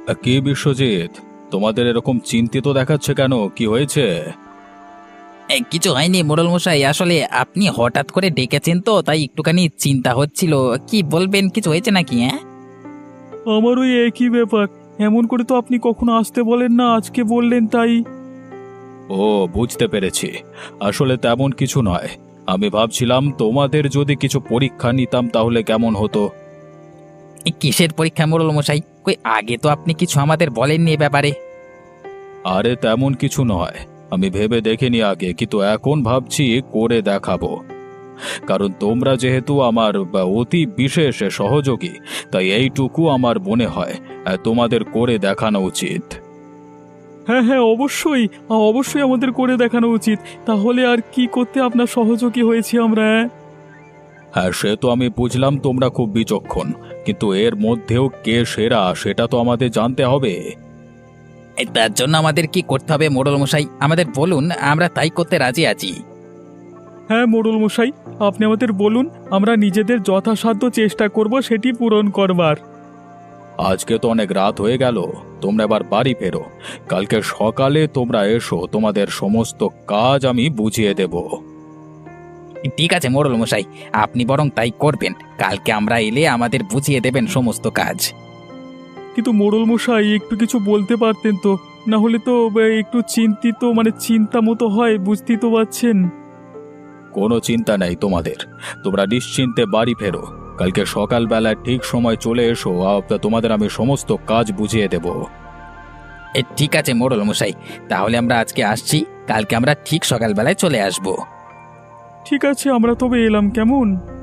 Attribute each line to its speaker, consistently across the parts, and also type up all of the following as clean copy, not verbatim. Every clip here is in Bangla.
Speaker 1: কি বিশ্বজিৎ, তোমাদের এরকম চিন্তিত দেখাচ্ছে কেন? কি হয়েছে?
Speaker 2: কিছু হয়নি মোড়ল মশাই, আসলে আপনি হঠাৎ করে ডেকেছেন তো তাই একটুখানি চিন্তা হচ্ছিল। কি বলবেন, কিছু হয়েছে নাকি? হ্যাঁ,
Speaker 3: আমার ওই একই ব্যাপার। এমন করে তো আপনি কখনো আসতে বলেন না, আজকে বললেন তাই।
Speaker 1: ও, বুঝতে পেরেছি। আসলে তেমন কিছু নয়। আমি ভাবছিলাম তোমাদের যদি কিছু পরীক্ষা নিতাম তাহলে কেমন হতো।
Speaker 2: কিসের পরীক্ষা মোড়ল মশাই? কই আগে তো আপনি কিছু আমাদের বলেননি এ ব্যাপারে।
Speaker 1: আরে তেমন কিছু নয়, আমি ভেবে দেখিনি আগে, কিন্তু এখন ভাবছি করে দেখাবো। কারণ তোমরা যেহেতু আমার অতি বিশেষ সহযোগী, তাই এইটুকু আমার মনে হয় তোমাদের করে দেখানো উচিত।
Speaker 3: হ্যাঁ হ্যাঁ, অবশ্যই। অবশ্যই আমাদের করে দেখানো উচিত। তাহলে আর কি করতে আপনার সহযোগী হয়েছি আমরা?
Speaker 1: হ্যাঁ, সে তো আমি বুঝলাম তোমরা খুব বিচক্ষণ, কিন্তু এর মধ্যেও কে সেরা সেটা তো আমাদের জানতে হবে।
Speaker 2: তার জন্য আমাদের কি করতে হবে মোড়ল মশাই, আমাদের বলুন, আমরা তাই করতে রাজি আছি।
Speaker 3: হ্যাঁ মোড়ল মশাই, আপনি আমাদের বলুন, আমরা নিজেদের যথাসাধ্য চেষ্টা করব সেটি পূরণ করবার।
Speaker 1: আজকে তো অনেক রাত হয়ে গেল, তোমরা এবার বাড়ি ফেরো। কালকে সকালে তোমরা এসো, তোমাদের সমস্ত কাজ আমি বুঝিয়ে দেব।
Speaker 2: ঠিক আছে মোড়ল মশাই, আপনি বরং তাই করবেন। কালকে আমরা এলে আমাদের বুঝিয়ে দেবেন সমস্ত কাজ।
Speaker 3: কিন্তু মোড়ল মশাই একটু কিছু বলতে পারতেন তো, না হলে তো একটু চিন্তিত, মানে চিন্তা মতো হয়, বুঝতেই তো পারছেন।
Speaker 1: কোনো চিন্তা নেই তোমাদের, তোমরা নিশ্চিন্তে বাড়ি ফেরো। কালকে সকালবেলায় ঠিক সময় চলে এসো, তোমাদের আমি সমস্ত কাজ বুঝিয়ে দেব।
Speaker 2: ঠিক আছে মোড়ল মশাই, তাহলে আমরা আজকে আসছি, কালকে আমরা ঠিক সকালবেলায় চলে আসব।
Speaker 3: ঠিক আছে, আমরা তবে এলাম, কেমন?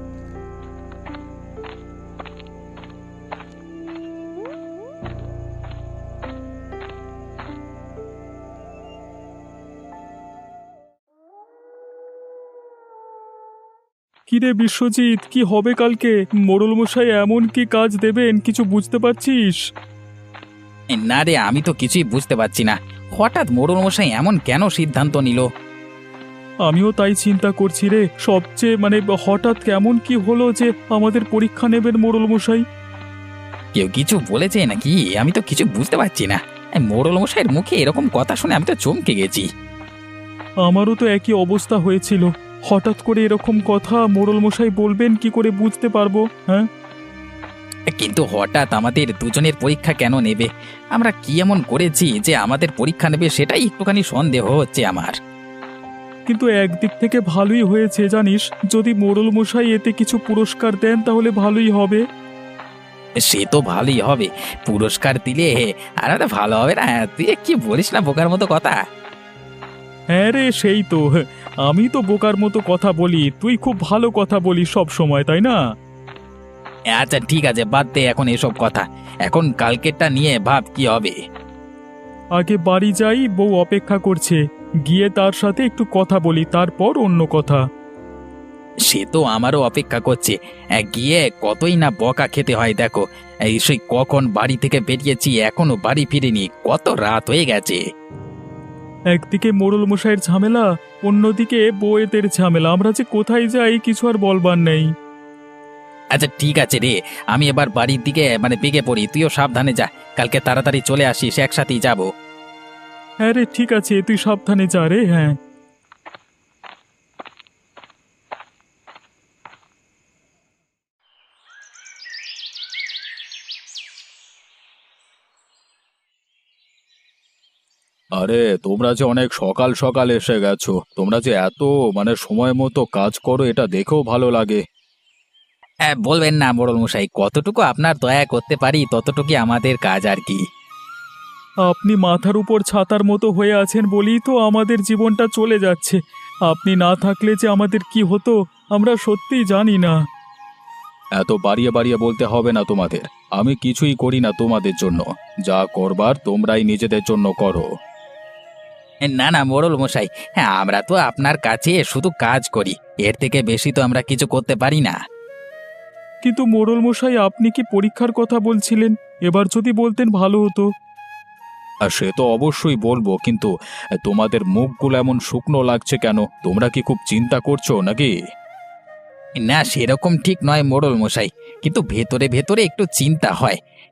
Speaker 3: কিরে বিশ্বজিৎ, কি হবে কালকে? মোড়ল মশাই এমন কি কাজ দেবেন, কিছু বুঝতে পারছিস?
Speaker 2: না রে, আমি তো কিছুই বুঝতে পারছি না। হঠাৎ মোড়ল মশাই এমন কেন সিদ্ধান্ত নিল?
Speaker 3: আমিও তাই চিন্তা করছি রে। সবচেয়ে হঠাৎ কেমন কি হলো যে আমাদের পরীক্ষা নেবেন মোড়ল মশাই?
Speaker 2: কেউ কিছু বলেছে নাকি? আমি তো কিছু বুঝতে পারছি না। মোড়ল মশাইয়ের মুখে এরকম কথা শুনে আমি তো চমকে গেছি।
Speaker 3: আমারও তো একই অবস্থা হয়েছিল। হঠাৎ করে এরকম কথা মোড়ল মশাই বলবেন, কি করে বুঝতে পারবো? হ্যাঁ,
Speaker 2: কিন্তু হঠাৎ আমাদের দুজনের পরীক্ষা কেন নেবে? আমরা কি এমন করেছি যে আমাদের পরীক্ষা নেবে, সেটাই একটুখানি সন্দেহ হচ্ছে আমার।
Speaker 3: কিন্তু একদিক থেকে ভালোই হয়েছে জানিস, যদি মোড়ল মশাই এতে কিছু পুরস্কার দেন তাহলে ভালোই হবে।
Speaker 2: সে তো ভালোই হবে, পুরস্কার দিলে আর একটা ভালো হবে না? তুই কি বলিস না বোকার মতো কথা।
Speaker 3: হ্যাঁ রে, সেই তো। আমি তো বোকার মতো কথা বলি, তুই খুব ভালো কথা বলিস সব সময়, তাই না?
Speaker 2: আচ্ছা ঠিক আছে, বাদ দে এখন এসব কথা। এখন কালকেরটা নিয়ে ভাব কি হবে।
Speaker 3: আগে বাড়ি যাই, বউ অপেক্ষা করছে। গিয়ে তার সাথে একটু কথা বলি, তারপর অন্য কথা।
Speaker 2: সে তো আমারও অপেক্ষা করছে। গিয়ে কতই না বকা খেতে হয় দেখো। এই সেই কখন বাড়ি থেকে বেরিয়েছি, এখনো বাড়ি ফিরিনি, কত রাত হয়ে গেছে।
Speaker 3: একদিকে মোড়ল মশাইয়ের ঝামেলা, অন্যদিকে বউয়েদের ঝামেলা, আমরা যে কোথায় যাই কিছু আর বলবার নেই।
Speaker 2: আচ্ছা ঠিক আছে রে, আমি এবার বাড়ির দিকে বেগে পড়ি, তুইও সাবধানে যা। কালকে তাড়াতাড়ি চলে আসিস, একসাথেই যাব।
Speaker 3: হ্যাঁ রে, ঠিক আছে, তুই সাবধানে যা রে। হ্যাঁ।
Speaker 1: আরে তোমরা যে অনেক সকাল সকাল এসে গেছো, তোমরা যে এত সময় মতো কাজ করো, এটা দেখেও ভালো লাগে।
Speaker 2: বলবেন না মোড়ল মশাই, কতটুকু আপনার দয়া করতে পারি ততটুকুই আমাদের কাজ আর কি।
Speaker 3: আপনি মাথার উপর ছাতার মতো হয়ে আছেন বলেই তো আমাদের জীবনটা চলে যাচ্ছে। আপনি না থাকলে যে আমাদের কি হতো আমরা সত্যিই জানি না।
Speaker 1: এত বাড়িয়ে বাড়িয়ে বলতে হবে না তোমাদের। আমি কিছুই করি না তোমাদের জন্য, যা করবার তোমরাই নিজেদের জন্য করো।
Speaker 2: না না মোড়ল মশাই, হ্যাঁ আমরা তো আপনার কাছে শুধু কাজ করি, এর থেকে বেশি তো আমরা কিছু করতে পারি না।
Speaker 3: কিন্তু মোড়ল মশাই, আপনি কি পরীক্ষার কথা বলছিলেন? এবার যদি বলতেন ভালো হতো।
Speaker 1: আর সে তো অবশ্যই বলবো, কিন্তু তোমাদের মুখগুলো এমন শুকনো লাগছে কেন? তোমরা কি খুব চিন্তা করছো নাকি?
Speaker 2: না সেরকম ঠিক নয় মোড়ল মশাই, কিন্তু ভেতরে ভেতরে একটু চিন্তা হয়।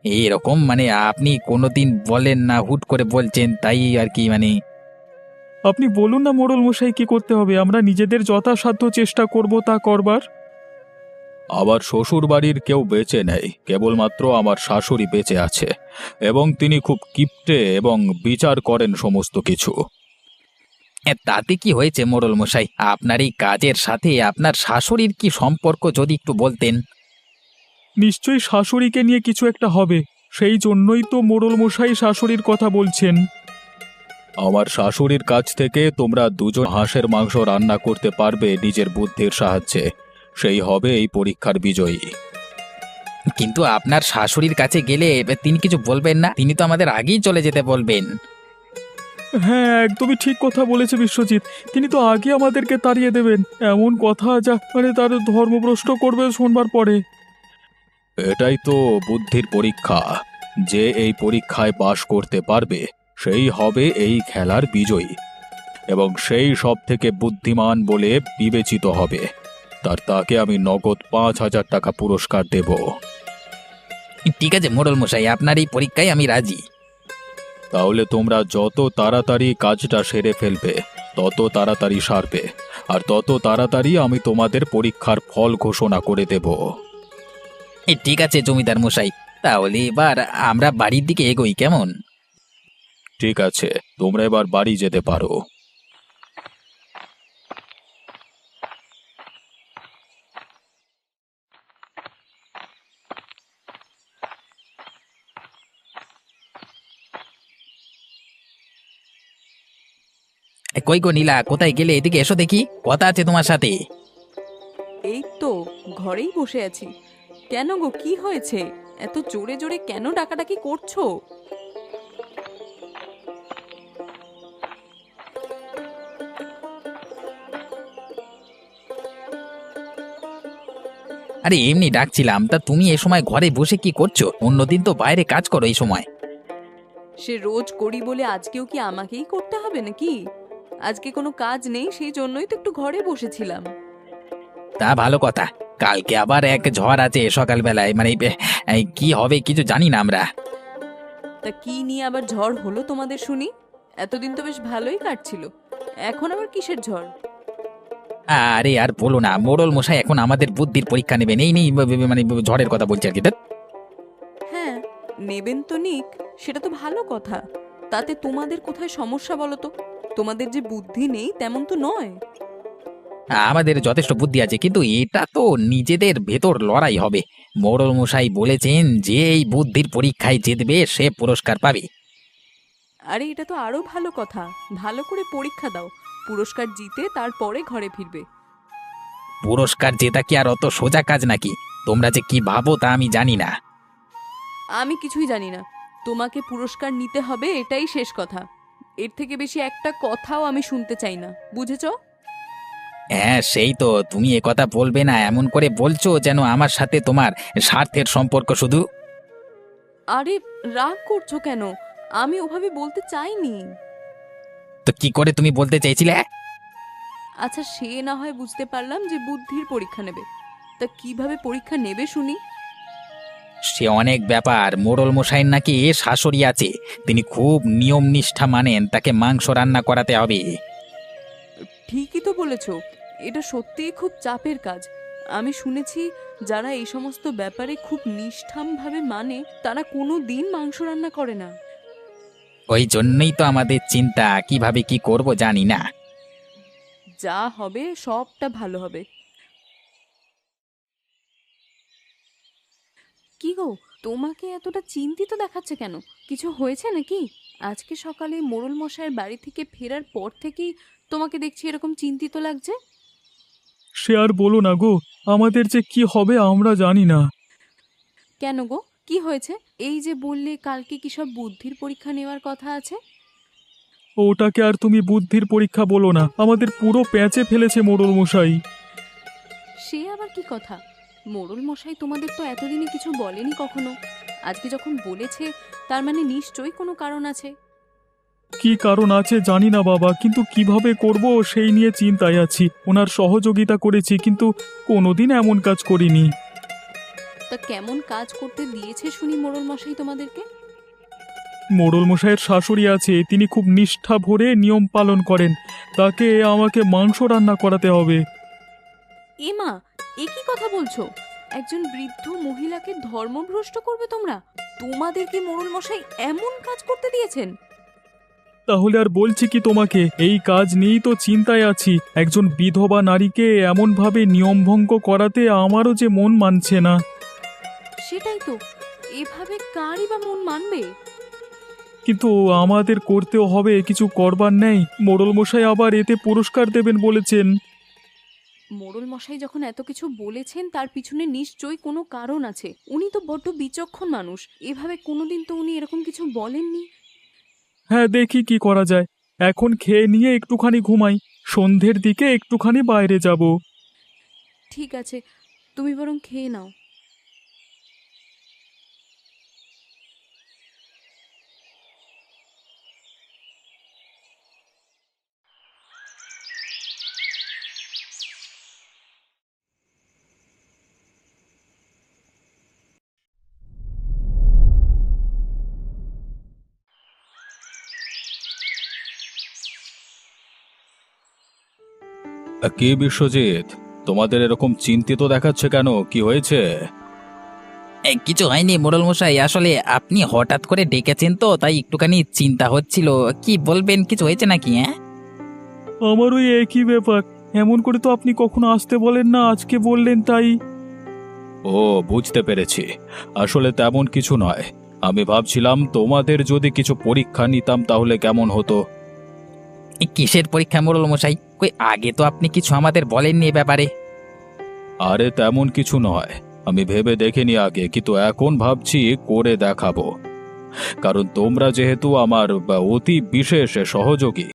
Speaker 2: এরকম মানে আপনি কোনোদিন বলেন না, হুট করে বলছেন, তাই আর কি মানে।
Speaker 3: আপনি বলুন না মোড়ল মশাই, কি করতে হবে? আমরা নিজেদের যথাসাধ্য চেষ্টা করব তা করবার।
Speaker 1: আমার শ্বশুর বাড়ির কেউ বেঁচে নেই, কেবলমাত্র আমার শাশুড়ি বেঁচে আছে, এবং তিনি খুব কিপ্টে এবং বিচার করেন সমস্ত কিছু।
Speaker 2: তাতে কি হয়েছে মোড়ল মশাই? আপনার এই কাজের সাথে আপনার শাশুড়ির কি সম্পর্ক যদি একটু বলতেন।
Speaker 3: নিশ্চয়ই শাশুড়িকে নিয়ে কিছু একটা হবে, সেই জন্যই তো মোড়ল মশাই শাশুড়ির কথা বলছেন।
Speaker 1: আমার শাশুড়ির কাছ থেকে তোমরা দুজন হাঁসের মাংস রান্না করতে পারবে নিজের বুদ্ধির সাহায্যে, সেই হবে এই পরীক্ষার বিজয়ী।
Speaker 2: কিন্তু আপনার শাশুড়ির কাছে গেলে তিনি কিছু বলবেন না? তিনি তো আমাদের আগেই চলে যেতে বলবেন।
Speaker 3: হ্যাঁ, একদমই ঠিক কথা বলেছে বিশ্বজিৎ। তিনি তো আগে আমাদেরকে তাড়িয়ে দেবেন, এমন কথা যা মানে তার ধর্মভ্রষ্ট করবে শুনবার পরে।
Speaker 1: এটাই তো বুদ্ধির পরীক্ষা, যে এই পরীক্ষায় পাশ করতে পারবে সেই হবে এই খেলার বিজয়ী, এবং সেই সব থেকে বুদ্ধিমান বলে বিবেচিত হবে। তাকে আমি নগদ 5,000 টাকা পুরস্কার দেব।
Speaker 2: ঠিক আছে মোড়ল মশাই, আপনার এই পরীক্ষায় আমি রাজি।
Speaker 1: তাহলে তোমরা যত তাড়াতাড়ি কাজটা সেরে ফেলবে তত তাড়াতাড়ি সারবে, আর তত তাড়াতাড়ি আমি তোমাদের পরীক্ষার ফল ঘোষণা করে দেব।
Speaker 2: ঠিক আছে জমিদার মশাই, তাহলে এবার আমরা বাড়ির দিকে এগোই কেমন?
Speaker 1: ঠিক আছে, তোমরা এবার বাড়ি যেতে পারো।
Speaker 2: কই গো নীলা, কোথায় গেলে? এদিকে এসো দেখি, কথা আছে তোমার সাথে।
Speaker 4: এই তো ঘরেই বসে আছি। কেন গো, কি হয়েছে? এত জোরে জোরে কেন ডাকাডাকি করছো?
Speaker 2: আরে এমনি ডাকছিলাম। তা তুমি এ সময় ঘরে বসে কি করছো? অন্যদিন তো বাইরে কাজ করো এই সময়।
Speaker 4: সে রোজ করি বলে আজকেও কি আমাকেই করতে হবে নাকি? আজকে কোনো কাজ নেই, সেই জন্যই তো একটু ঘরে বসেছিলাম।
Speaker 2: তা ভালো কথা। কালকে আবার এক ঝড় আছে সকালবেলায়, মানে কি হবে কিছু জানি না আমরা।
Speaker 4: তা কি নিয়ে আবার ঝড় হলো তোমাদের শুনি? এতদিন তো বেশ ভালোই কাটছিল, এখন আবার কিসের ঝড়?
Speaker 2: আরে আর বলো না, মোড়ল মশাই এখন আমাদের বুদ্ধির পরীক্ষা নেবেন, এই নেই মানে ঝড়ের কথা বলছি আর কি। ধ্যাৎ।
Speaker 4: হ্যাঁ, নেবেন তো নিক, সেটা তো ভালো কথা। তাতে তোমাদের কোথায় সমস্যা বলো তো? তোমাদের যে বুদ্ধি নেই তেমন তো নয়।
Speaker 2: আমাদের যথেষ্ট বুদ্ধি আছে, কিন্তু এটা তো নিজেদের ভেতর লড়াই হবে। মোড়ল মশাই বলেছেন যে এই বুদ্ধির পরীক্ষায় জিতবে সে পুরস্কার পাবে।
Speaker 4: আরে এটা তো আরো ভালো কথা। ভালো করে পরীক্ষা দাও, পুরস্কার জিতে তারপরে ঘরে ফিরবে।
Speaker 2: পুরস্কার জেতা কি আর অত সোজা কাজ নাকি? তোমরা যে কি ভাবো তা আমি জানি না।
Speaker 4: আমি কিছুই জানি না। তোমাকে পুরস্কার নিতে হবে, এটাই শেষ কথা। এর থেকে বেশি একটা কথাও আমি শুনতে চাই না, বুঝেছো?
Speaker 2: হ্যাঁ সেই তো, তুমি এ কথা বলবে না এমন করে বলছো যেন আমার সাথে তোমার স্বার্থের সম্পর্ক শুধু।
Speaker 4: আরে রাগ করছো কেন? আমি ওভাবে বলতে চাইনি।
Speaker 2: তো কি করে তুমি বলতে চাইছিলে?
Speaker 4: আচ্ছা, সে না হয় বুঝতে পারলাম যে বুদ্ধির পরীক্ষা নেবে। তা কিভাবে পরীক্ষা নেবে শুনি?
Speaker 2: সে অনেক ব্যাপার। মোড়ল মশাইয়ের নাকি শাশুড়ি আছে, তিনি খুব নিয়ম নিষ্ঠা মানেন, তাকে মাংস রান্না করাতে হবে।
Speaker 4: ঠিকই তো বলেছ, এটা সত্যিই খুব চাপের কাজ। আমি শুনেছি যারা এই সমস্ত ব্যাপারে খুব নিষ্ঠামভাবে মানে তারা কোনো দিন মাংস রান্না করে না।
Speaker 2: ওই জন্যই তো আমাদের চিন্তা, কিভাবে কি করব জানি না।
Speaker 4: যা হবে সবটা ভালো হবে। কি গো, তোমাকে এতটা চিন্তিত দেখাচ্ছে কেন? কিছু হয়েছে নাকি? আজকে সকালে মোড়ল মশাইয়ের বাড়ি থেকে ফেরার পর থেকেই তোমাকে দেখছি এরকম চিন্তিত লাগছে।
Speaker 3: সে আর বলো না গো, আমাদের যে কি হবে আমরা জানি না।
Speaker 4: কেন গো, কি হয়েছে? এই যে বললে কালকে কি সব বুদ্ধির পরীক্ষা নেওয়ার কথা আছে।
Speaker 3: ওটাকে আর তুমি বুদ্ধির পরীক্ষা বলো না, আমাদের পুরো প্যাঁচে ফেলেছে মোড়ল মশাই।
Speaker 4: সে আবার কি কথা? মোড়ল মশাই তোমাদের তো এতদিনে কিছু বলেনি কখনো। আজকে যখন বলেছে তার মানে নিশ্চয়ই কোনো কারণ আছে।
Speaker 3: কি কারণ আছে জানি না বাবা, কিন্তু কিভাবে করব সেই নিয়ে চিন্তায় আছি। ওনার সহযোগিতা করেছি, কিন্তু কোনোদিন এমন কাজ করিনি।
Speaker 4: তা কেমন কাজ করতে দিয়েছে শুনি মোড়ল মশাই তোমাদেরকে?
Speaker 3: মোড়ল মশাইয়ের শাশুড়ি আছে, তিনি খুব নিষ্ঠা ভরে নিয়ম পালন করেন। তাকে আমাকে মাংস রান্না করাতে হবে।
Speaker 4: এমা, এ কি কথা বলছো? একজন বৃদ্ধ মহিলাকে ধর্মভ্রষ্ট করবে তোমরা? তোমাদেরকে মোড়ল মশাই এমন কাজ করতে দিয়েছেন?
Speaker 3: তাহলে আর বলছি কি তোমাকে, এই কাজ নিয়েই তো চিন্তায় আছি। একজন বিধবা নারীকে এমনভাবে নিয়মভঙ্গ করাতে আমারও যে মন মানছে না।
Speaker 4: সেটাই তো, এভাবে কারই বা মন মানবে?
Speaker 3: কিন্তু আমাদের করতেও হবে, কিছু করবার নেই। মোড়ল মশাই আবার এতে পুরস্কার দেবেন বলেছেন।
Speaker 4: মোড়ল মশাই যখন এত কিছু বলেছেন তার পিছনে নিশ্চয়ই কোনো কারণ আছে। উনি তো বড্ড বিচক্ষণ মানুষ, এভাবে কোনোদিন তো উনি এরকম কিছু বলেননি।
Speaker 3: হ্যাঁ, দেখি কি করা যায়। এখন খেয়ে নিয়ে একটুখানি ঘুমাই, সন্ধ্যের দিকে একটুখানি বাইরে যাব।
Speaker 4: ঠিক আছে, তুমি বরং খেয়ে নাও।
Speaker 1: কি বিশ্বজিৎ, তোমাদের এরকম চিন্তিত দেখাচ্ছে কেন? কি হয়েছে?
Speaker 2: কিছু হয়নি মোড়ল মশাই, আসলে আপনি হঠাৎ করে ডেকেছেন তো তাই একটুখানি চিন্তা হচ্ছিল। কি বলবেন, কিছু হয়েছে নাকি? হ্যাঁ,
Speaker 3: আমার ওই একই ব্যাপার। এমন করে তো আপনি কখনো আসতে বলেন না, আজকে বললেন তাই।
Speaker 1: ও, বুঝতে পেরেছি। আসলে তেমন কিছু নয়। আমি ভাবছিলাম তোমাদের যদি কিছু পরীক্ষা নিতাম তাহলে কেমন হতো।
Speaker 2: এই কিসের পরীক্ষা মোড়ল মশাই? কই আগে তো আপনি কিছু আমাদের বলেননি এ ব্যাপারে।
Speaker 1: আরে তেমন কিছু নয়, আমি ভেবে দেখিনি আগে, কিন্তু এখন ভাবছি করে দেখাবো। কারণ তোমরা যেহেতু আমার অতি বিশেষ সহযোগী,